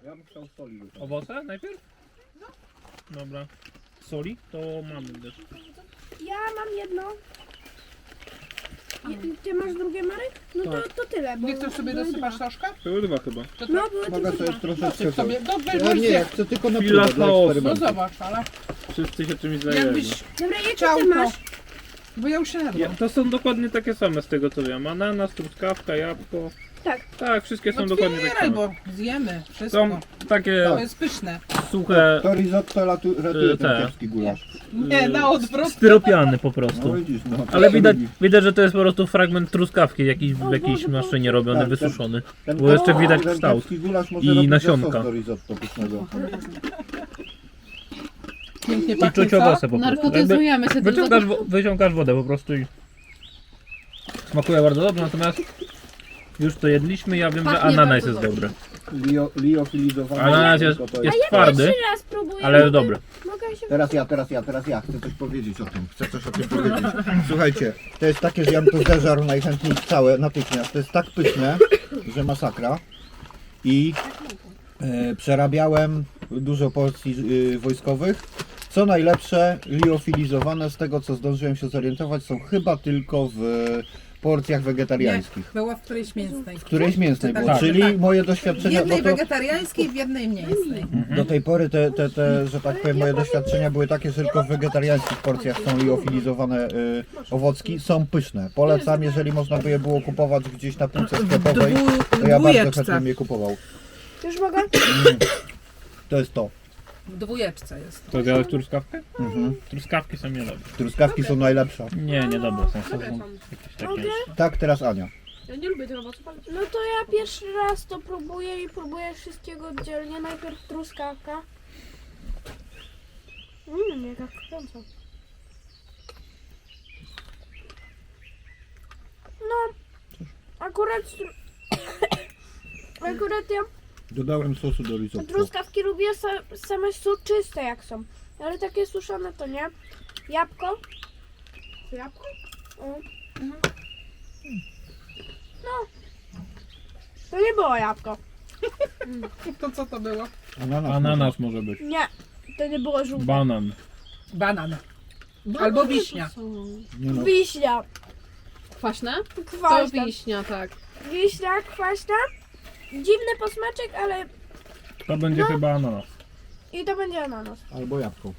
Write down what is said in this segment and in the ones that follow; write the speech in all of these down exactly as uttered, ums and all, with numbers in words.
Ja bym chciał soli. Owoce najpierw? No. Dobra. Soli? To mamy też. Ja mam jedno. I ty masz drugie, Marek? No to, to tyle, bo... Wiktor, sobie były dosypasz dwa. troszkę? Były dwa chyba. To No, tak. były Mogę tylko sobie dwa. troszeczkę Dosyp sobie. No weź, Ja weź nie, zjedz. chcę tylko na Chwila próbę, dla chaosu. No eksperymentu. zobacz, ale Wszyscy się czymś zajęli. jakbyś Dobra, jakie chciał ty to... masz? Bo ja już się Ja, jadłam. to są dokładnie takie same z tego co wiem. Ananas, truskawka, jabłko. Tak. Tak, wszystkie są No dokładnie takie otwieraj, same. bo zjemy wszystko. Są takie To jest pyszne. suche, To risotto ratu, ratuje Y, ten te. kiepski gulasz. Nie, na odwrót. styropiany po No prostu. widzisz, no. to Ale się widać, lubi. widać, że to jest po prostu fragment truskawki jakiś, O w jakiejś Boże, maszynie robiony, Tak, wysuszony. Ten Bo jeszcze kiepski- widać ten kształt. kiepski gulasz może I robić nasionka. sos do risotto pysznego. Pięknie I pachnie, czuć co? owoce po prostu. Jakby Narkotyzujemy się tylko. wyciągasz, wo- wyciągasz wodę po prostu i smakuje bardzo dobrze, natomiast już to jedliśmy, ja wiem, że Pachnie ananas bardzo jest dobrze. dobry. Lio, liofilizowany. Ananas jest, to to jest Ja twardy, pierwszy raz próbuję. ale mogę, dobry. Mogę się... Teraz ja, teraz ja, teraz ja chcę coś powiedzieć o tym. Chcę coś o tym powiedzieć. Słuchajcie, to jest takie, że ja bym to zeżarł najchętniej całe natychmiast. To jest tak pyszne, że masakra. I e, przerabiałem dużo porcji e, wojskowych. Co najlepsze, liofilizowane z tego co zdążyłem się zorientować są chyba tylko w porcjach wegetariańskich. Była w którejś mięsnej. W którejś mięsnej było, Tak. czyli Tak. moje W doświadczenia, no jednej to wegetariańskiej, w jednej mięsnej. do tej pory te, te, te, że tak powiem, moje doświadczenia były takie, że tylko w wegetariańskich porcjach są liofilizowane y, owocki. Są pyszne. Polecam, jeżeli można by je było kupować gdzieś na półce sklepowej, to ja bardzo dwójeczce. chętnie bym je kupował. Już mogę? To jest to. W dwójeczce jest. To zjadłeś truskawkę? Mhm. Truskawki są niedobre. Truskawki są najlepsze. Nie, niedobre są. Są są jakieś takie... Tak, teraz Ania. Ja nie lubię tych owoców, ale No to ja pierwszy raz to próbuję i próbuję wszystkiego oddzielnie. Najpierw truskawka. Mmm, jaka kręca. No, akurat... stru- akurat ja Dodałem sosu do risotto. truskawki lubię sa- same soczyste jak są. Ale takie suszone to nie. Jabłko. Jabłko? Mm. No. To nie było jabłko. To co to było? Ananas. Ananas może być. Nie. To nie było żółte. Banan. Banan. Albo wiśnia. Nie no. Wiśnia. kwaśne? To Kwaśna. wiśnia, tak. Wiśnia, kwaśna. Dziwny posmaczek, ale... To będzie chyba ananas. I to będzie ananas. Albo jabłko.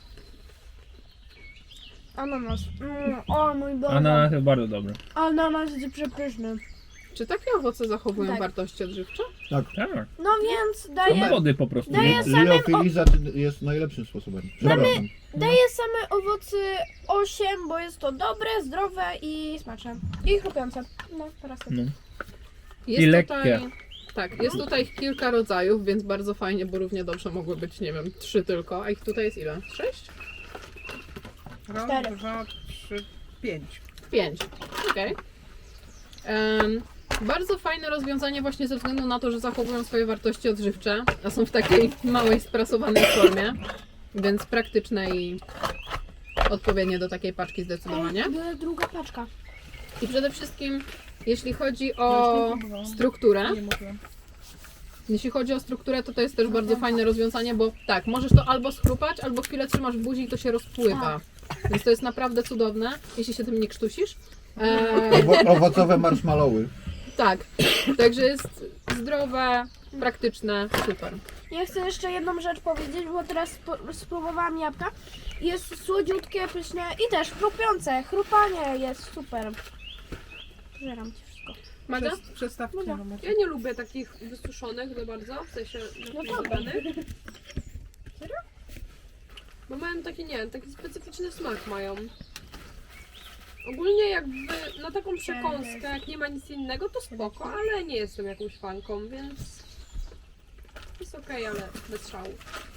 Ananas. Mm, o mój Boże. Ananas jest bardzo dobry. Ananas jest przepyszny. Czy takie owoce zachowują Tak. wartości odżywcze? Tak. No więc Są daję, wody po prostu. Daję same... O, Liofiliza jest najlepszym sposobem. Przepraszam. daję same owoce osiem, bo jest to dobre, zdrowe i smaczne. I chrupiące. No, teraz tak. No. Jest I tutaj, lekkie. tak, jest tutaj ich kilka rodzajów, więc bardzo fajnie, bo równie dobrze mogły być, nie wiem, trzy tylko, a ich tutaj jest ile? Sześć? Raz, Cztery. dwa, trzy, pięć. Pięć. Okej. Em, Bardzo fajne rozwiązanie właśnie ze względu na to, że zachowują swoje wartości odżywcze, a są w takiej małej, sprasowanej formie, więc praktyczne i odpowiednie do takiej paczki zdecydowanie. Ej, druga paczka. I przede wszystkim, jeśli chodzi o strukturę, Nie mówiłem. jeśli chodzi o strukturę, to to jest też bardzo fajne rozwiązanie, bo tak, możesz to albo schrupać, albo chwilę trzymasz w buzi i to się rozpływa. Więc to jest naprawdę cudowne, jeśli się tym nie krztusisz. Eee, Owo- owocowe marshmallowy. tak, także jest zdrowe, praktyczne, super. Ja chcę jeszcze jedną rzecz powiedzieć, bo teraz spo- spróbowałam jabłka. Jest słodziutkie, pyszne i też chrupiące. Chrupanie jest super. Żeram ci wszystko. Magda? Przez, przestawki. Dobra. numer. Ja nie lubię takich wysuszonych za bardzo, w sensie napisowanych. Serio? Bo mają taki, nie taki specyficzny smak mają. Ogólnie jakby na taką przekąskę, jak nie ma nic innego, to spoko, ale nie jestem jakąś fanką, więc jest okej, ale bez szału.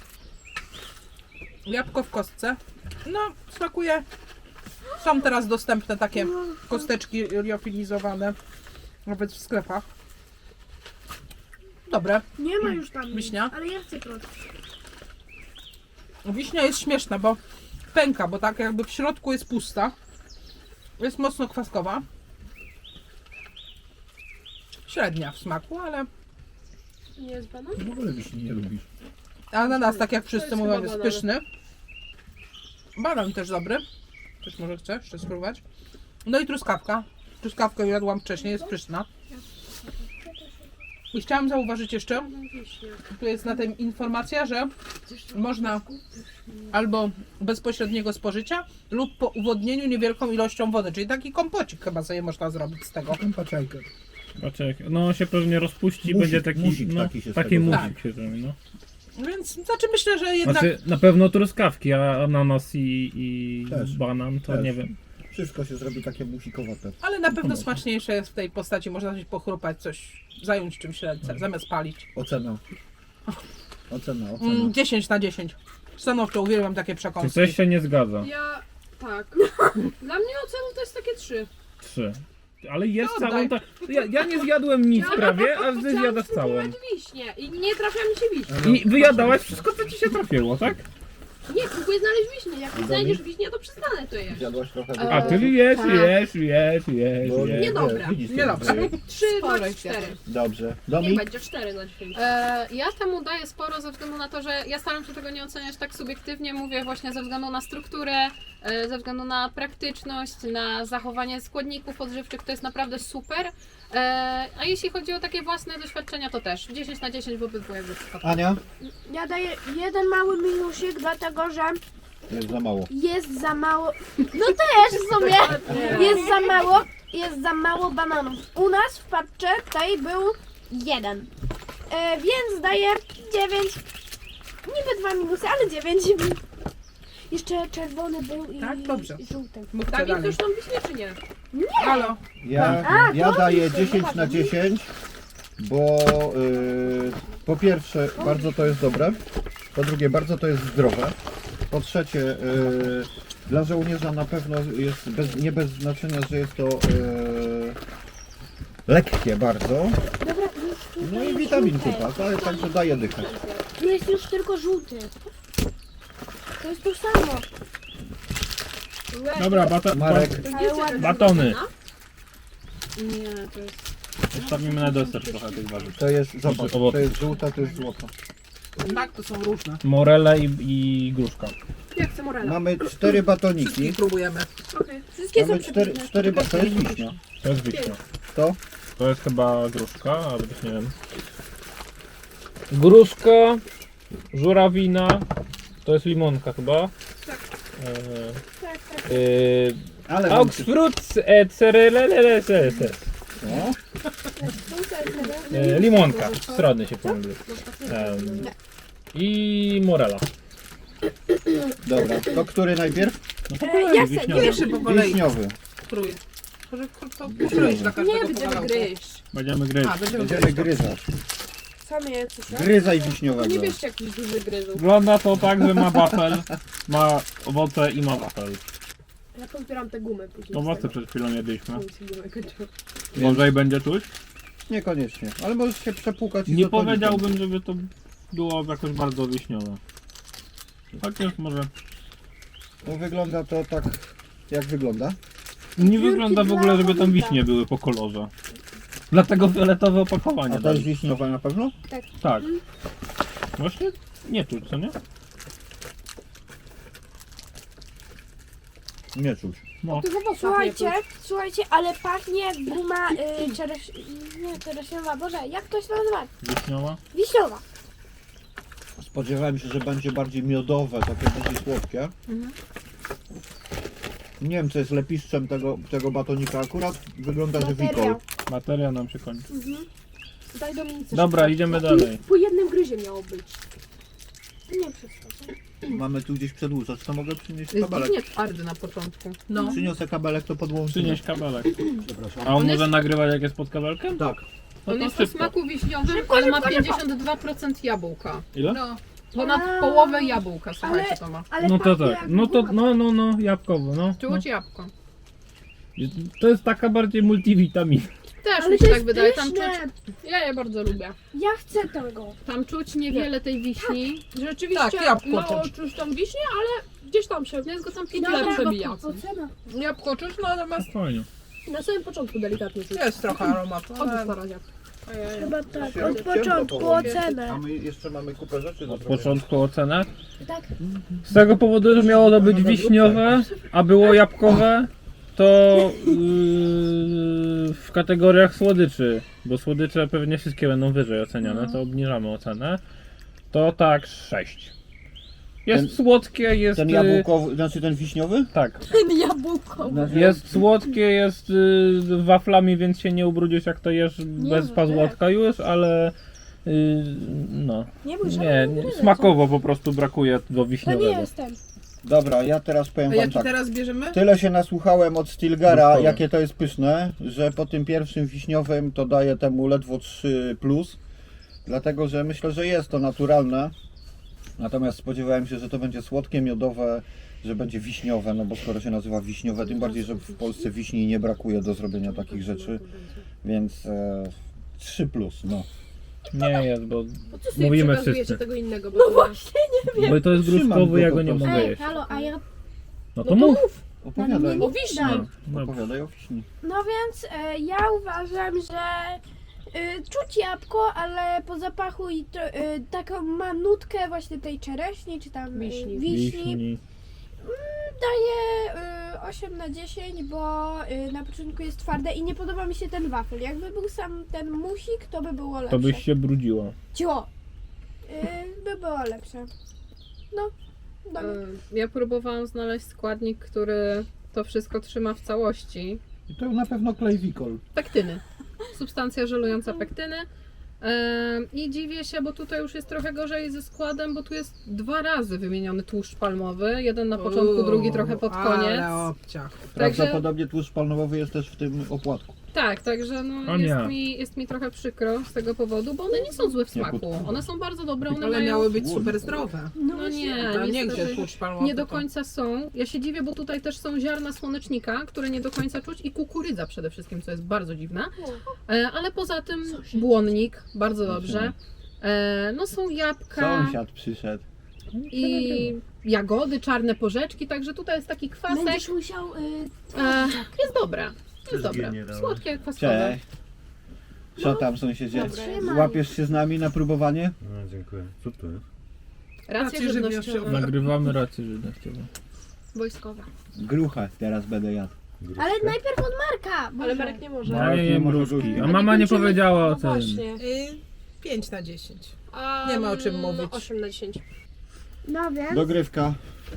Jabłko w kostce. No, smakuje. Są teraz dostępne takie kosteczki liofilizowane, nawet w sklepach. Dobre. Nie ma już tam Wiśnia? nic, ale ja chcę prosto. Wiśnia jest śmieszna, bo pęka, bo tak jakby w środku jest pusta. Jest mocno kwaskowa. Średnia w smaku, ale To nie jest banan? W ogóle wiśni nie lubisz. Ananas, tak jak To wszyscy jest mówią, chyba jest banan. pyszny. Banan też dobry. Też może chcesz jeszcze spróbować. No i truskawka. Truskawkę jadłam wcześniej, jest pyszna. I chciałam zauważyć jeszcze, tu jest na tym informacja, że można albo bezpośredniego spożycia lub po uwodnieniu niewielką ilością wody, czyli taki kompocik chyba sobie można zrobić z tego. Paczajkę. Patrzek, no on się pewnie rozpuści, Musik, będzie taki, musik no, taki się z taki tego musik zrobi. się zrobi, no. Więc znaczy myślę, że jednak Znaczy, na pewno truskawki, a ananas i, i Też. banan, to Też. nie wiem. Wszystko się zrobi takie musikowate. ale na pewno smaczniejsze jest w tej postaci, można coś pochrupać, coś zająć czymś ręce, zamiast palić. Ocena. Ocena, ocena. Mm, dziesięć na dziesięć. Stanowczo uwielbiam takie Czy przekąski. coś się nie zgadza? Ja... tak. Dla mnie oceną to jest takie trzy. Trzy. Ale jest No, całą daj. ta... Ja, ja nie zjadłem nic prawie, a ty Chciałam zjadasz całą. spróbować wiśnie i nie trafia mi się wiśnia. I wyjadałaś wszystko, co ci się trafiło, tak? Nie, próbuję znaleźć wiśnię. Jak nie znajdziesz wiśnię, to przestanę to jeść. Zjadłaś trochę A, A, więcej? ty jesz, tak. jesz, jesz, jesz, Bo jesz. Niedobre. widzisz, Niedobre. Trzy, Sporo max jest cztery. Dobrze. Niech Domi? będzie cztery na dziesięć. E, ja temu daję sporo ze względu na to, że ja staram się tego nie oceniać tak subiektywnie. Mówię właśnie ze względu na strukturę, e, ze względu na praktyczność, na zachowanie składników odżywczych. To jest naprawdę super. E, a jeśli chodzi o takie własne doświadczenia, to też dziesięć na dziesięć w obydwu jakby przypadkach. Ania? Ja daję jeden mały minusik, dlatego że Jest za mało. jest za mało. No też w sumie jest za mało. Jest za mało bananów. U nas w paczce tej był jeden. E, więc daję dziewięć. Niby dwa minusy, ale dziewięć. Jeszcze czerwony był i, Tak, dobrze. i żółty. Mówcie Tak, i dalej. już tam wiśnie czy nie? Halo. Ja, A, ja to daję jest dziesięć na ładnie. dziesięć, bo y, po pierwsze bardzo to jest dobre, po drugie bardzo to jest zdrowe, po trzecie y, dla żołnierza na pewno jest bez, nie bez znaczenia, że jest to y, lekkie bardzo, Dobra, już no tutaj i jest witamin żółte. kupa, tak, także daje dychę. Tu jest już tylko żółty. To jest to samo. Dobra, bata, Marek, Ale ładny. batony. Nie, to jest... Zostawimy na deser trochę tych warzyw. to jest, zobacz, to Owoce. jest żółta, to jest złota. Tak, to są różne. Morele i, i gruszka. Ja chcę morela. Mamy cztery batoniki, Wszystkich próbujemy. Okay. Wszystkie są mamy cztery, przepyszne. cztery ba- to jest wiśnia. To jest wiśnia. To? To jest chyba gruszka, ale też nie wiem. Gruszka, żurawina, to jest limonka chyba. Tak, tak. Eee, Ale Augsfruts et cereleleleses. no, Eee, limonka, strony się pomyliły. Ehm, I morela. dobra, to który najpierw? No to E, kolej, ja chcę, wiśniowy. Pierwszy po kolei Wiśniowy. krój. Może to pokroić dla każdego Nie, będziemy kawałka. gryźć. Będziemy gryźć. A, będziemy Będziemy gryźć. gryzać. Same je coś. Gryzaj To wiśniowego. nie bierzcie jakichś dużych gryzów. Wygląda to tak, że ma wafel, ma owoce i ma wafel. Ja pozbieram te gumy później. Owoce przed chwilą jedliśmy. Więc- Może i będzie czuć? Niekoniecznie, ale możesz się przepłukać i Nie z otolikiem. powiedziałbym, żeby to było jakoś bardzo wiśniowe. Chociaż może... No, wygląda to tak, jak wygląda. Nie wygląda w ogóle, żeby tam wiśnie były po kolorze. Dlatego fioletowe opakowanie. A to jest dali. wiśniowa na pewno? Tak. Właśnie nie czuć, co nie? Nie czuć. No. Słuchajcie, słuchajcie, ale pachnie jak guma y, czereś... Nie, czereśniowa, Boże, jak to się nazywa? Wiśniowa? Wiśniowa. Spodziewałem się, że będzie bardziej miodowe, takie bardziej słodkie. Mhm. Nie wiem, co jest lepiszczem tego, tego batonika. Akurat wygląda, że Bateria. wikol. Bateria nam się kończy. Daj Dominice. Dobra, idziemy dalej. Po jednym gryzie miało być. Nie przeszkadza. Mamy tu gdzieś przedłużać, to mogę przynieść Jest kabelek. dziwnie twardy na początku. No. Przyniosę kabelek, to podłączymy. Przynieś kabelek. Przepraszam. A on On może jest- nagrywać jak jest pod kabelkiem? Tak. No On to jest o szybko. smaku wiśniowym, ale ma pięćdziesiąt dwa procent jabłka. Ile? No. Ponad A. połowę jabłka, słuchajcie, to ma. Ale No to pachnie tak. jak No to, guma. no, no, no, jabłkowo, no. Czuć jabłko. no. To jest taka bardziej multivitamina. Też Ale mi to się jest tak wydaje. Tam czuć, pyszne. ja je bardzo lubię. Ja chcę tego. Tam czuć niewiele tej wiśni. Rzeczywiście Tak, jabłko mało czuć. czuć tam wiśnie, ale gdzieś tam się Ja go tam pięć Dobra, lat przebija. ocena. Jabłko czuć, no natomiast Fajnie. na samym początku delikatnie czuć. jest trochę aromatu. Od Ale... starania. Chyba tak, Się od ciemno początku powoli. ocenę. A my jeszcze mamy kupę rzeczy do Od zrobienia. początku ocenę. Tak. Z tego powodu, że miało to być wiśniowe, a było jabłkowe, to yy, w kategoriach słodyczy, bo słodycze pewnie wszystkie będą wyżej oceniane, to obniżamy ocenę. To tak sześć. Jest Ten- słodkie, jest... Ten y, jabłkowy, znaczy ten wiśniowy? Tak. Jabłko. Jest słodkie, jest y, waflami, więc się nie ubrudzisz jak to jesz bez no pazłotka już, ale y, no. Nie bój się. Nie, nie, smakowo po prostu brakuje do To nie wiśniowego. jestem. Dobra, ja teraz powiem A wam jaki tak. teraz bierzemy? Tyle się nasłuchałem od Stilgara, Gruszkowy. jakie to jest pyszne, że po tym pierwszym wiśniowym to daję temu ledwo trzy plus. Dlatego, że myślę, że jest to naturalne. Natomiast spodziewałem się, że to będzie słodkie, miodowe, że będzie wiśniowe, no bo skoro się nazywa wiśniowe, tym bardziej, że w Polsce wiśni nie brakuje do zrobienia takich rzeczy. Więc e, trzy plus, no. Nie jest, bo Po co sobie mówimy przekazujecie wszyscy. tego innego? Bo No to- właśnie. Bo to jest Trzymam gruszkowy, go ja po go nie prostu. mogę Ej, jeść. halo, a ja... No No to to mów. mów! Opowiadaj, O wiśni! No, no. opowiadaj o wiśni. No więc e, ja uważam, że e, czuć jabłko, ale po zapachu i to, e, taką ma nutkę właśnie tej czereśni, czy tam e, Wiśni. wiśni. Wiśni. Daję y, osiem na dziesięć, bo y, na początku jest twarde i nie podoba mi się ten wafel. Jakby był sam ten musik, to by było lepsze. To byś się brudziła. Cio! Y, by było lepsze. No, dobra. E, Ja próbowałam znaleźć składnik, który to wszystko trzyma w całości. I to na pewno klejwikol. Pektyny. Substancja żelująca pektyny. E, I dziwię się, bo tutaj już jest trochę gorzej ze składem, bo tu jest dwa razy wymieniony tłuszcz palmowy. Jeden na początku, Uuu, drugi trochę pod koniec. Ale obciach. Prawdopodobnie tłuszcz palmowy jest też w tym opłatku. Tak, także no O nie. jest, mi, jest mi trochę przykro z tego powodu, bo one nie są złe w smaku. Jagódka. One są bardzo dobre, one Ale mają... miały być super zdrowe. No nie, A nie niestety gdzie tłuszcz palmowy. nie do to- końca są. Ja się dziwię, bo tutaj też są ziarna słonecznika, które nie do końca czuć i kukurydza przede wszystkim, co jest bardzo dziwne. E, ale poza tym błonnik, bardzo dobrze. E, no są jabłka Sąsiad przyszedł. i jagody, czarne porzeczki, także tutaj jest taki kwasek. Będziesz musiał... Y, E, jest dobre, jest dobre. nie dałeś. Słodkie, kwaskowe. Cześć. Co tam sąsiedzie? Trzymaj. Złapiesz się z nami na próbowanie? No, dziękuję. Co to jest? Racje Racje żywnościowe, żywnościowe. Nagrywamy rację żywnościową. wojskowe. Gruchę teraz będę jadł. Gruszka? ale najpierw od Marka! Ale Boże. Marek nie może. Ja nie nie jem może gruszki. gruszki. A mama nie kończymy- powiedziała o no tym. właśnie. Y, pięć na dziesięć. A, Nie ma o czym mówić. No, osiem na dziesięć. No więc Dogrywka.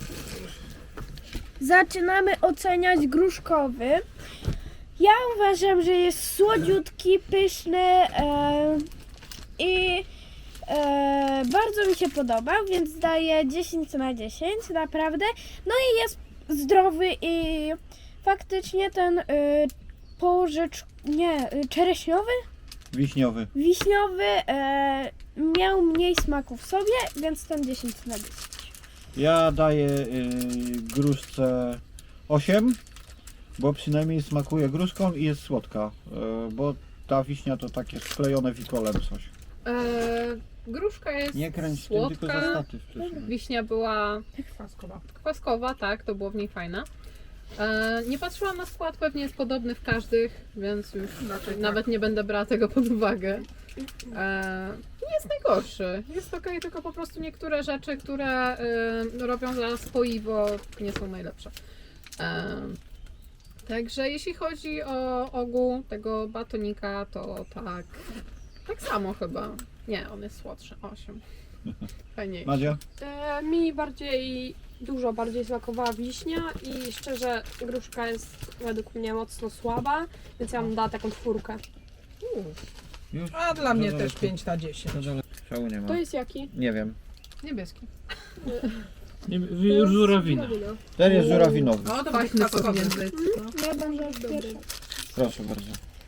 zaczynamy oceniać gruszkowy. Ja uważam, że jest słodziutki, pyszny e, i e, bardzo mi się podoba, więc daję dziesięć na dziesięć, naprawdę. No i jest zdrowy i faktycznie ten y, porzecz, nie, y, czereśniowy, Wiśniowy. wiśniowy e, miał mniej smaku w sobie, więc ten dziesięć na dziesięć. Ja daję y, gruszce osiem, bo przynajmniej smakuje gruszką i jest słodka. Y, bo ta wiśnia to takie sklejone wikolem coś. E, gruszka jest Nie kręć tym, tylko za słodka, statyw wcześniej. wiśnia była Kwaskowa. kwaskowa, tak, to było w niej fajne. E, nie patrzyłam na skład, pewnie jest podobny w każdych, więc już Raczej nawet nie będę brała tego pod uwagę. E, nie jest najgorszy, jest okej, tylko po prostu niektóre rzeczy, które e, robią za spoiwo, nie są najlepsze. E, także jeśli chodzi o ogół tego batonika, to tak, tak samo chyba. Nie, on jest słodszy, osiem. Fajniejszy. Madzia? E, mi bardziej, dużo bardziej smakowała wiśnia i szczerze gruszka jest według mnie mocno słaba, więc ja bym dała taką czwórkę. Już? A dla mnie Za też daleko. pięć na dziesięć. No dalej. Szału nie ma. To jest jaki? Nie wiem. Niebieski. Nie, już żurawina. Żurawina. Ten jest żurawinowy. No to Fajny będzie kwaskowy sobie. język. No. Ja będę już pierwsza. Proszę bardzo.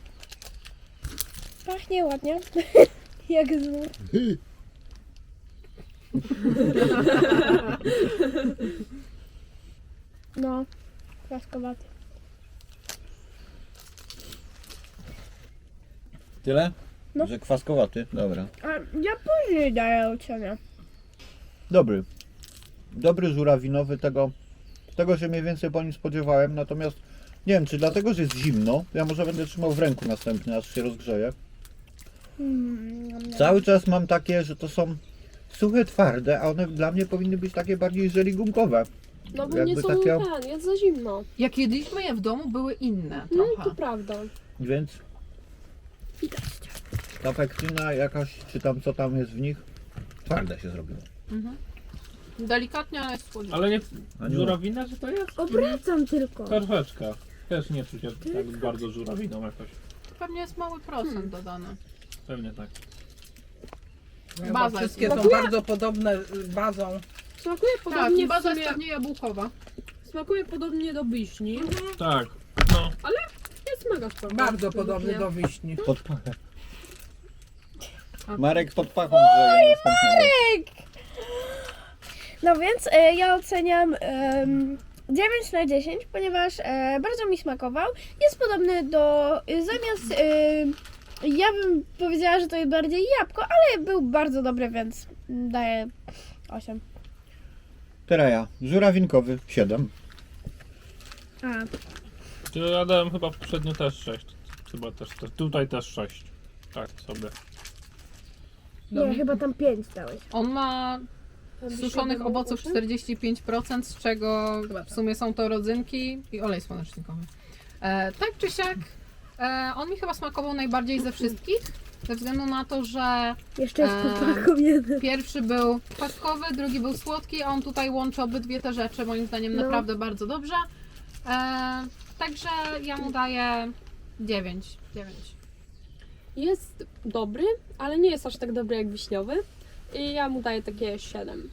Pachnie ładnie. Jak znów. No, kwaskowaty. Tyle? No. Że kwaskowaty? Dobra. A ja później daję ocenę. Dobry. Dobry żurawinowy, tego, tego się mniej więcej po nim spodziewałem, natomiast nie wiem, czy dlatego, że jest zimno, ja może będę trzymał w ręku następny, aż się rozgrzeje. Mm, Cały czas mam takie, że to są suche, twarde, a one dla mnie powinny być takie bardziej żeligumkowe. No bo Jakby nie są takie- ten, jest za zimno. Jak jedliśmy je w domu, były inne No trochę. to prawda. Więc ta pektyna jakaś, czy tam co tam jest w nich, twarde się zrobiło. Mhm. Delikatnie, ale jest słodziutkie. Ale nie Aniu. żurawina, czy to jest? Obracam tylko. Troszeczkę. Też nie czuć jak tak bardzo żurawiną jakoś. Pewnie jest mały procent dodany. Pewnie tak. Chyba Baza wszystkie jest- są bardzo podobne y, bazą. Smakuje Tak, podobnie i w baza sumie, jest pewnie jabłkowa. smakuje podobnie do wiśni. Tak. No. Jest mega spoko. Bardzo według podobny mnie. do wiśni. Pod pachę. A- Marek pod pachą grzeje następnego. No więc e, ja oceniam em, dziewięć na dziesięć, ponieważ e, bardzo mi smakował. Jest podobny do, e, zamiast, e, ja bym powiedziała, że to jest bardziej jabłko, ale był bardzo dobry, więc daję osiem. Teraz ja, żurawinkowy, siedem. A, Czy ja dałem chyba poprzednio też sześć. Chyba też, też. Tutaj też sześć. Tak sobie. nie, chyba tam pięć dałeś. On ma suszonych owoców czterdzieści pięć procent, z czego w sumie są to rodzynki i olej słonecznikowy. E, tak czy siak, e, on mi chyba smakował najbardziej ze wszystkich, ze względu na to, że Jeszcze jest Eee. pod pachą jeden. pierwszy był kwaskowy, drugi był słodki, a on tutaj łączy obydwie te rzeczy, moim zdaniem No. naprawdę bardzo dobrze. E, także ja mu daję dziewięć. dziewięć. Jest dobry, ale nie jest aż tak dobry jak wiśniowy. I ja mu daję takie siedem.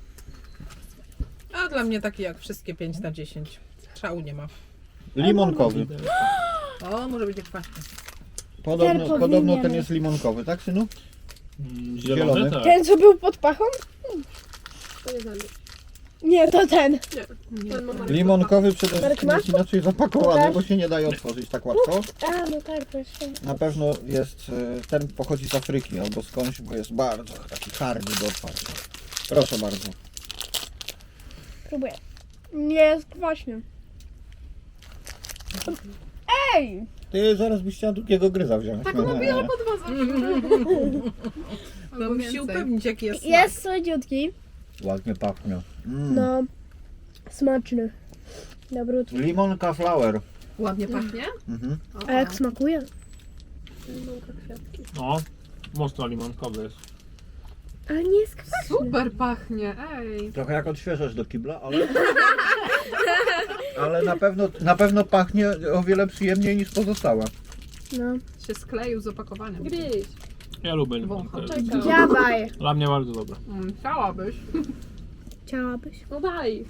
A dla mnie taki jak wszystkie pięć na dziesięć. Szału nie ma. Limonkowy. O, może być kwaśny. Podobno, powinien. podobno ten jest limonkowy, tak synu? Mm, Zielony? Zielony, tak. Ten, co był pod pachą? To nie ten. Nie, to ten. Ten ma Marek. Limonkowy przede Marek, wszystkim masz? jest inaczej zapakowany, Pokaż. bo się nie daje otworzyć tak łatwo. A, no tak, proszę. Na pewno jest, e, ten pochodzi z Afryki albo skądś, bo jest bardzo taki hardy do otwarcia. Proszę bardzo. Próbuję. Nie jest kwaśny. Ej! Ty zaraz byś chciała drugiego gryza wziąć. Tak mówiłam po dwa zawsze. No Albo musi się więcej. upewnić jaki jest smak. Jest słodziutki. Ładnie pachnie. Mm. No, smaczny. Dobry. Limonka flower. Ładnie pachnie. Mhm. A jak smakuje? Limonka, kwiatki. No. Mocno limonkowy jest. Ale nie jest kwaśny. Super pachnie, ej. Trochę jak odświeżasz do kibla, ale... ale na pewno, na pewno pachnie o wiele przyjemniej niż pozostałe. No. Się skleił z opakowaniem. Gryź. Ja lubię Wącha. limonkę. Czekam. Dziabaj. Dla mnie bardzo dobre. Mm, chciałabyś. Chciałabyś? No daj.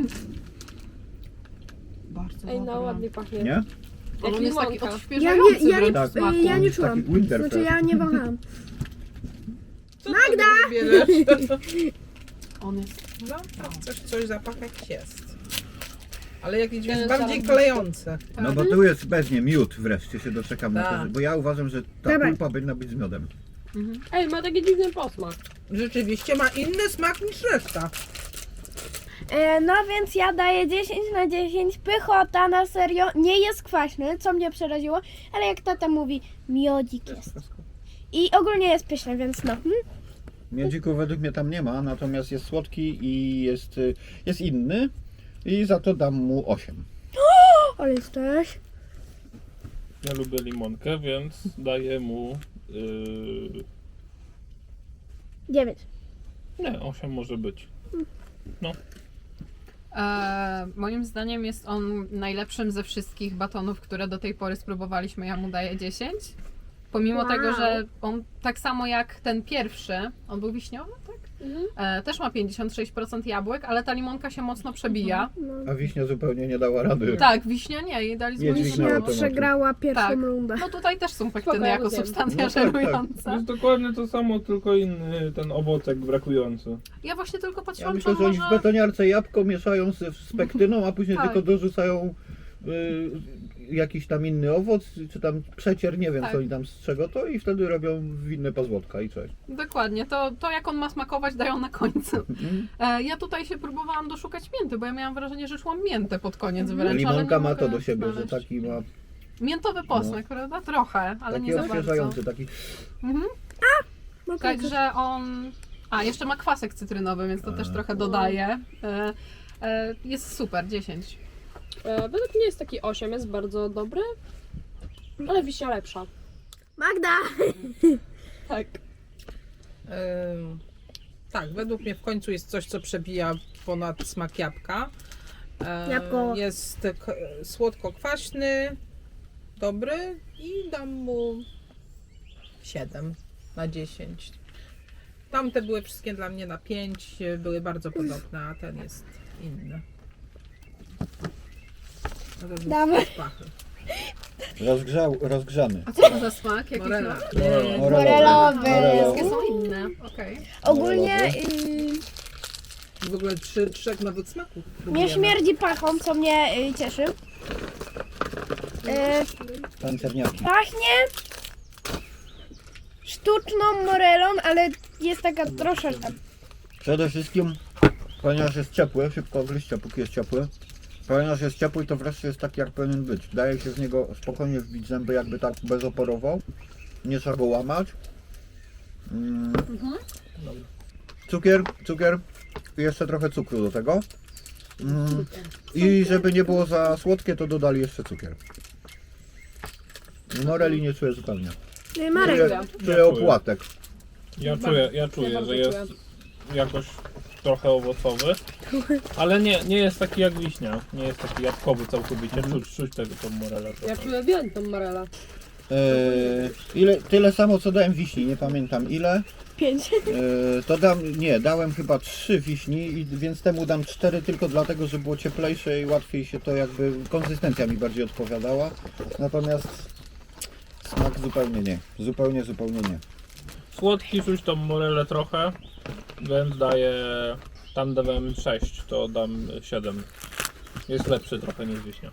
Bardzo Ej, no dobre. ładnie pachnie. Nie? Jak On jest taki limonka. Ja odświeżający nie, ja nie, wręcz Tak. w smaku. ja nie Jest czułam. taki Winterfest. Znaczy ja nie wahałam. Co Magda! Bierzesz? On jest... No, tak, coś, coś zapach jakiś jest. Ale jakiś Ten jest bardziej zaraz- klejący. No bo tu jest pewnie miód wreszcie się doczekam na Tak. to, bo ja uważam, że ta Dawaj. pulpa powinna być z miodem. Mhm. Ej, ma taki dziwny posmak. Rzeczywiście ma inny smak niż reszta. E, no więc ja daję dziesięć na dziesięć. Pychota, na serio. Nie jest kwaśny, co mnie przeraziło, ale jak tata mówi, miodzik jest. I ogólnie jest pyszny, więc no. Hmm? Miodziku według mnie tam nie ma, natomiast jest słodki i jest, y, jest inny i za to dam mu osiem. Ale jesteś. Ja lubię limonkę, więc daję mu... Yy... dziewięć. Nie, osiem może być. E, moim zdaniem jest on najlepszym ze wszystkich batonów, które do tej pory spróbowaliśmy. Ja mu daję dziesięć. Pomimo Wow. tego, że on tak samo jak ten pierwszy, on był wiśniowy, tak? Mhm. E, też ma pięćdziesiąt sześć procent jabłek, ale ta limonka się mocno przebija. No. A wiśnia zupełnie nie dała rady. Tak, wiśnia nie, jej daliśmy Nie wiśniową. dźwignęła Ja tematu. przegrała pierwszą Tak. rundę. No tutaj też są Spoko, pektyny ja jako rozumiem. substancja No tak, tak. To żerująca. jest dokładnie to samo, tylko inny ten owocek brakujący. Ja właśnie tylko Ja patrzyłam, myślę, czy że on oni w może... betoniarce jabłko mieszają z, z pektyną, a później Tak. tylko dorzucają y, jakiś tam inny owoc, czy tam przecier, nie wiem Tak. co oni tam z czego to i wtedy robią winne pozłotka i cześć. Dokładnie, to, to jak on ma smakować dają na końcu. Mhm. E, ja tutaj się próbowałam doszukać mięty, bo ja miałam wrażenie, że szłam miętę pod koniec wręcz, ale Limonka nie ma to mogę do siebie, że znaleźć. taki ma Miętowy posmak, prawda? Trochę, ale Taki nie za bardzo. odświeżający, taki... Mhm. No tak. Także on... A, jeszcze ma kwasek cytrynowy, więc to też trochę dodaje. E, e, jest super, dziesięć. E, według mnie jest taki osiem, jest bardzo dobry, ale wiśnia lepsza. Magda! Tak. Ym, tak, według mnie w końcu jest coś, co przebija ponad smak jabłka. Ym, Jabłko. Jest k- słodko-kwaśny, dobry i dam mu siedem na dziesięć. Tamte były wszystkie dla mnie na pięć, były bardzo podobne, a ten jest inny. Razem z Dawaj. pachy. Rozgrzał, rozgrzany. A co to za smak? Jaki Morela. smak? Yy, Morelowy. Wszystkie są inne, okej. Ogólnie y, W ogóle trzy, trzech nowych smaków. nie próbujemy. śmierdzi pachą, co mnie y, cieszy. Y, Pancerniaki. pachnie sztuczną morelą, ale jest taka troszeczkę. Przede wszystkim, ponieważ jest ciepły, szybko ogryźcie, póki jest ciepły. Ponieważ jest ciepły, to wreszcie jest taki, jak powinien być. Daje się z niego spokojnie wbić zęby, jakby tak bezoporowo. Nie trzeba go łamać. Mm. Cukier, cukier i jeszcze trochę cukru do tego. Mm. I żeby nie było za słodkie, to dodali jeszcze cukier. Moreli nie czuję zupełnie. Y, Marek, Czuję, czuję opłatek. Ja czuję, ja czuję, bardzo że jest jakoś trochę owocowy, ale nie, nie jest taki jak wiśnia, nie jest taki jabłkowy całkowicie, czuć, czuć tego tą morelę Ja trochę. czuję wielką morelę. Eee, ile, tyle samo co dałem wiśni, nie pamiętam ile. pięć. Eee, to dam, nie, dałem chyba trzy wiśni, i, więc temu dam cztery tylko dlatego, że było cieplejsze i łatwiej się to jakby, konsystencja mi bardziej odpowiadała. Natomiast smak zupełnie nie, zupełnie, zupełnie nie. Słodki, czuć tą morelę trochę, więc daję, tam dawałem sześć, to dam siedem. Jest lepszy trochę niż wiśnia.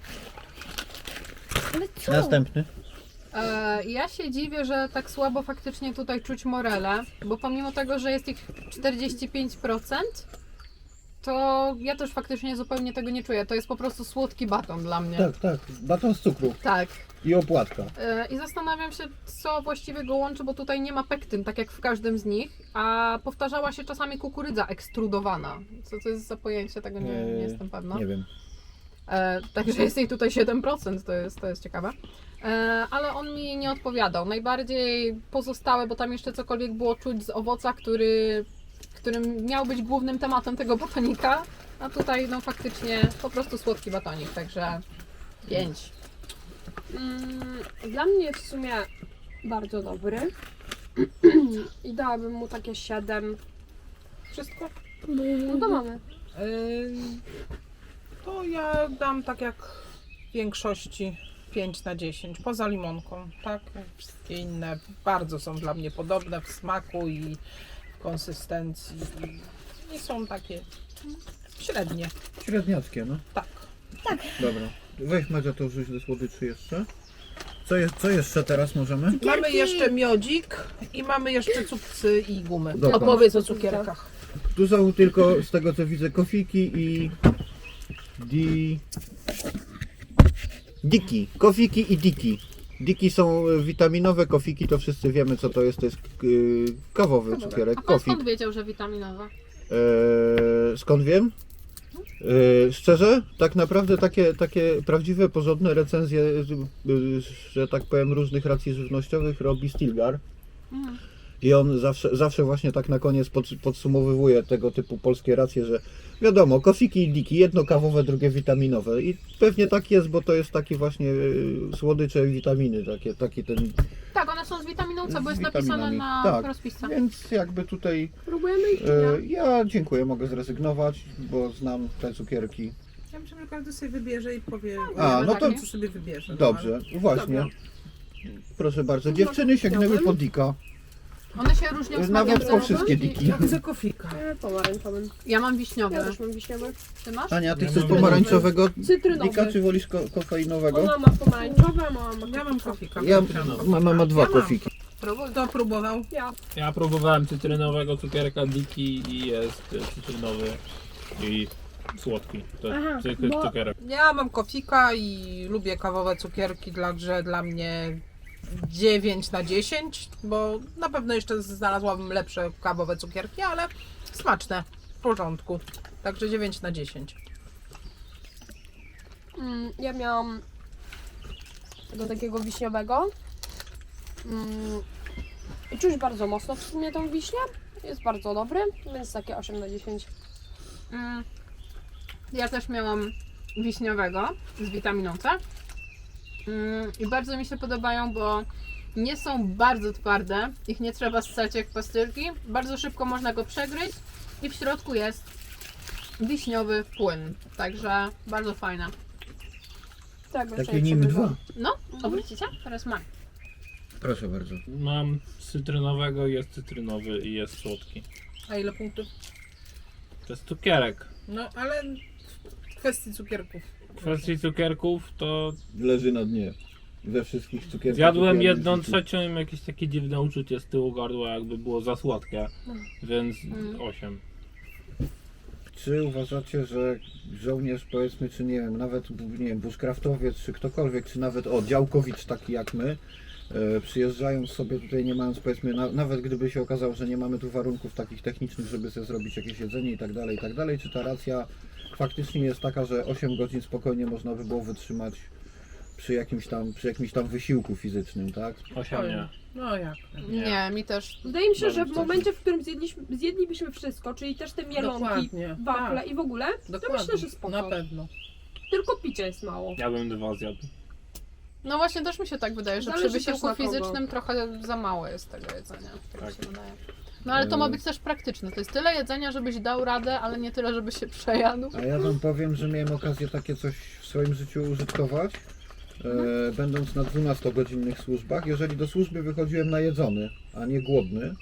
Ale co? Następny. E, ja się dziwię, że tak słabo faktycznie tutaj czuć morele, bo pomimo tego, że jest ich czterdzieści pięć procent, to ja też faktycznie zupełnie tego nie czuję. To jest po prostu słodki baton dla mnie. Tak, tak, baton z cukru Tak. i opłatka. E, I zastanawiam się, co właściwie go łączy, bo tutaj nie ma pektyn, tak jak w każdym z nich, a powtarzała się czasami kukurydza ekstrudowana. Co to jest za pojęcie, tego nie, nie jestem pewna. Nie wiem. E, także jest jej tutaj siedem procent, to jest, to jest ciekawe. E, ale on mi nie odpowiadał. Najbardziej pozostałe, bo tam jeszcze cokolwiek było czuć z owoca, który, którym miał być głównym tematem tego batonika, a tutaj no faktycznie po prostu słodki batonik, także pięć. Mm, dla mnie jest w sumie bardzo dobry. I dałabym mu takie siedem. Wszystko? No to mamy. Ym, To ja dam tak jak w większości pięć na dziesięć, poza limonką, tak? Wszystkie inne bardzo są dla mnie podobne w smaku i w konsystencji. Nie są takie średnie, Średniackie, no. tak. Dobra. Weź Madzia to wrzuć do słodyczy jeszcze. Co, jest, co jeszcze teraz możemy? Mamy jeszcze miodzik i mamy jeszcze cukcy i gumy. Dobra. Opowiedz o cukierkach. Tu są tylko z tego co widzę kofiki i di... diki. Kofiki i diki. Diki są witaminowe, kofiki to wszyscy wiemy co to jest. To jest yy, kawowy cukierek, A pan kofik. skąd wiedział, że witaminowa? Eee, skąd wiem? Eee, szczerze, tak naprawdę takie, takie prawdziwe, porządne recenzje, y, że tak powiem, różnych racji żywnościowych robi Stilgar. Mhm. I on zawsze, zawsze właśnie tak na koniec pod, podsumowywuje tego typu polskie racje, że wiadomo, kofiki i diki, jedno kawowe, drugie witaminowe. I pewnie tak jest, bo to jest taki właśnie y, słodycze i witaminy, takie, taki ten, Tak, one są z witaminą C, bo Z jest napisane witaminami. na Tak. rozpisce. więc jakby tutaj Próbujemy ich czy e, nie? ja dziękuję, mogę zrezygnować, bo znam te cukierki. Ja myślę, że każdy sobie wybierze i powie, A, no to co sobie wybierze. no, dobrze, właśnie. Dobra. Proszę bardzo, dziewczyny sięgnęły po dika. One się różnią smakiem. Nawet po zerowym wszystkie i- diki. Ja chcę kofika. E, pomarańczowym. Ja mam Ja wiśniowy. też mam wiśniowy. Ty masz? Ania, ty Ja chcesz mam pomarańczowego Cytrynowy. dika, czy wolisz ko kofeinowego? Ona ma pomarańczowe, a mama ma Ja mam kofika. Ja, mama ma dwa Ja mam. kofiki. Próbuj. Kto próbował? Ja. Ja próbowałem cytrynowego cukierka Diki i jest y, cytrynowy i słodki. To Aha, jest zwykły bo- cukierek. Ja mam kofika i lubię kawowe cukierki, także dla mnie dziewięć na dziesięć, bo na pewno jeszcze znalazłabym lepsze kawowe cukierki, ale smaczne, w porządku. Także dziewięć na dziesięć. Mm, ja miałam tego takiego wiśniowego. Mm, I czuć bardzo mocno w sumie tą wiśnię. Jest bardzo dobry, więc takie osiem na dziesięć. Mm, Ja też miałam wiśniowego z witaminą C. Mm, I bardzo mi się podobają, bo nie są bardzo twarde, ich nie trzeba ssać jak pastylki. Bardzo szybko można go przegryźć i w środku jest wiśniowy płyn. Także bardzo fajne. Tak, Takie nim dwa. No, obrócicie? Teraz mam. Proszę bardzo. Mam cytrynowego, jest cytrynowy i jest słodki. A ile punktów? To jest cukierek. No, ale w kwestii cukierków. W kwestii cukierków to Leży na dnie. We wszystkich cukierkach. zjadłem jakie jedną w życiu. trzecią i jakieś takie dziwne uczucie z tyłu gardła, jakby było za słodkie. Więc Mm. osiem. Czy uważacie, że żołnierz, powiedzmy, czy nie wiem, nawet nie wiem, bushcraftowiec, czy ktokolwiek, czy nawet o, działkowicz taki jak my, e, przyjeżdżając sobie tutaj, nie mając, powiedzmy, na, nawet gdyby się okazało, że nie mamy tu warunków takich technicznych, żeby sobie zrobić jakieś jedzenie i tak dalej, i tak dalej, czy ta racja faktycznie jest taka, że osiem godzin spokojnie można by było wytrzymać przy jakimś tam, przy jakimś tam wysiłku fizycznym, tak? osiem nie. No jak? Nie. Nie, mi też. Wydaje mi się, że w Bardzo momencie, w którym zjedliśmy, zjedlibyśmy wszystko, czyli też te mielonki, Dokładnie. wafle Tak, i w ogóle, to dokładnie. myślę, że spoko. Na pewno. Tylko picia jest mało. Ja bym dwa zjadł. No właśnie też mi się tak wydaje, że Zależy przy też wysiłku na kogo. fizycznym trochę za mało jest tego jedzenia. Tak, Tak. mi się wydaje. No ale to ma być też praktyczne. To jest tyle jedzenia, żebyś dał radę, ale nie tyle, żeby się przejadł. A ja wam powiem, że miałem okazję takie coś w swoim życiu użytkować, e, będąc na dwunastogodzinnych służbach. Jeżeli do służby wychodziłem najedzony, a nie głodny, e,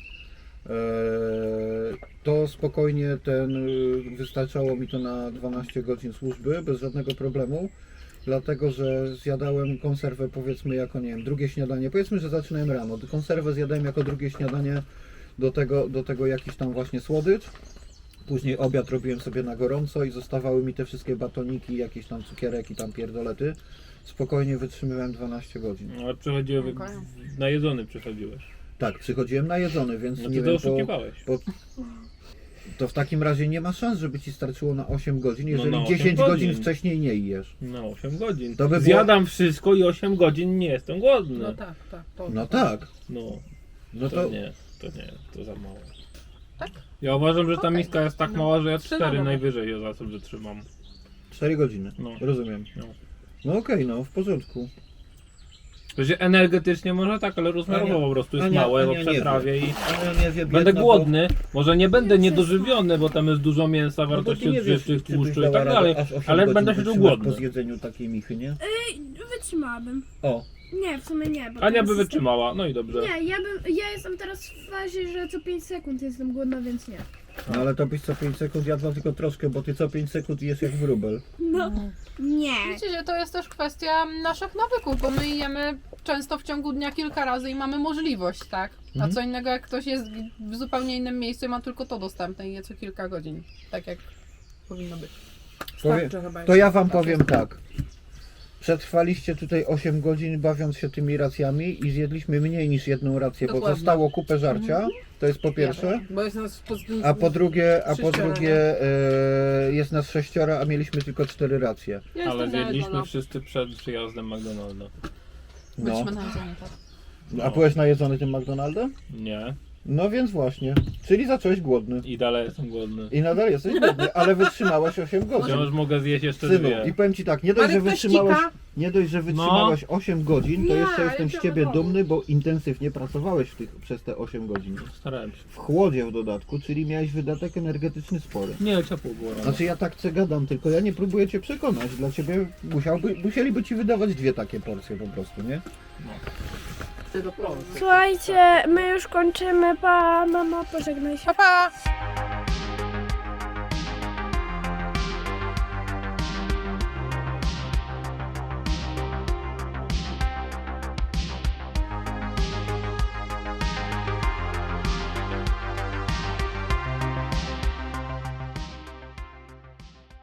to spokojnie ten, y, wystarczało mi to na dwanaście godzin służby, bez żadnego problemu. Dlatego, że zjadałem konserwę, powiedzmy, jako, nie wiem, drugie śniadanie. Powiedzmy, że zaczynałem rano. Konserwę zjadałem jako drugie śniadanie, do tego, do tego jakiś tam właśnie słodycz. Później obiad robiłem sobie na gorąco i zostawały mi te wszystkie batoniki, jakieś tam cukierek i tam pierdolety. Spokojnie wytrzymywałem dwanaście godzin. No, ale przychodziłem, Okej. najedzony przychodziłeś. Tak, przychodziłem najedzony, więc No nie ty to wiem, po, oszukiwałeś. to w takim razie nie ma szans, żeby ci starczyło na osiem godzin, jeżeli na osiem dziesięć godzin godzin. wcześniej nie jesz. No osiem godzin. To by było- Zjadam wszystko i osiem godzin nie jestem głodny. No tak, tak. To, No tak, No, no to, to nie, to nie, to za mało. Tak? Ja uważam, że ta Okej. miska jest tak No. mała, że ja Trzy na cztery dobę. najwyżej je za to wytrzymam. cztery godziny, No. rozumiem. No. No okej, no w porządku. To się energetycznie może tak, ale rozmiarowo Ania- po prostu jest Ania- małe, bo Ania nie przetrawię i Ale nie wie, będę biedna, głodny. Może nie będę niedożywiony, bo tam jest dużo mięsa, Bo, no bo ty wartości nie wiesz, odżywczych, czy byś tłuszczu i dała tak radę dalej, aż osiem ale godzin będę się czuł wytrzymać głodny. po zjedzeniu takiej michy, nie? Wytrzymałabym. O, Nie, w sumie nie. Bo Ania teraz by jestem- wytrzymała, no i dobrze. Nie, ja, bym, ja jestem teraz w fazie, że co pięć sekund jestem głodna, więc nie. no ale to byś co pięć sekund jadła tylko troszkę, bo ty co pięć sekund jesz jak wróbel. No. Nie. Wiecie, że to jest też kwestia naszych nawyków, bo my jemy często w ciągu dnia kilka razy i mamy możliwość, tak? A Mhm. co innego jak ktoś jest w zupełnie innym miejscu i ma tylko to dostępne i je co kilka godzin. Tak jak powinno być. Powie, Starczy chyba to ja wam jeszcze. powiem tak. Przetrwaliście tutaj osiem godzin bawiąc się tymi racjami i zjedliśmy mniej niż jedną rację, bo Dokładnie. zostało kupę żarcia, to jest po pierwsze. Bo jest nas po, A po drugie, a po Sześcioro, drugie e, jest nas sześciora, a mieliśmy tylko cztery racje. Ja Ale jestem zjedliśmy najedzona. wszyscy przed przyjazdem McDonalda. No. Byliśmy na jedzeniu, tak. A byłeś najedzony tym McDonaldem? Nie. No więc właśnie. Czyli zacząłeś głodny. I dalej jestem głodny. I nadal jesteś głodny, ale wytrzymałeś osiem godzin. Wciąż mogę zjeść jeszcze Synu, dwie. i powiem ci tak, nie dość, Ale że ktoś wytrzymałeś, cika. nie dość, że wytrzymałeś osiem godzin, to Nie, jeszcze ale jestem z to ciebie wiadomo. dumny, bo intensywnie pracowałeś w tych, przez te osiem godzin. Starałem się. W chłodzie w dodatku, czyli miałeś wydatek energetyczny spory. Nie, ciepło było rano. Znaczy ja tak co gadam, tylko ja nie próbuję cię przekonać. Dla ciebie musiałby, musieliby ci wydawać dwie takie porcje po prostu, nie? Słuchajcie, my już kończymy. Pa, mamo, pożegnaj się. Pa, pa!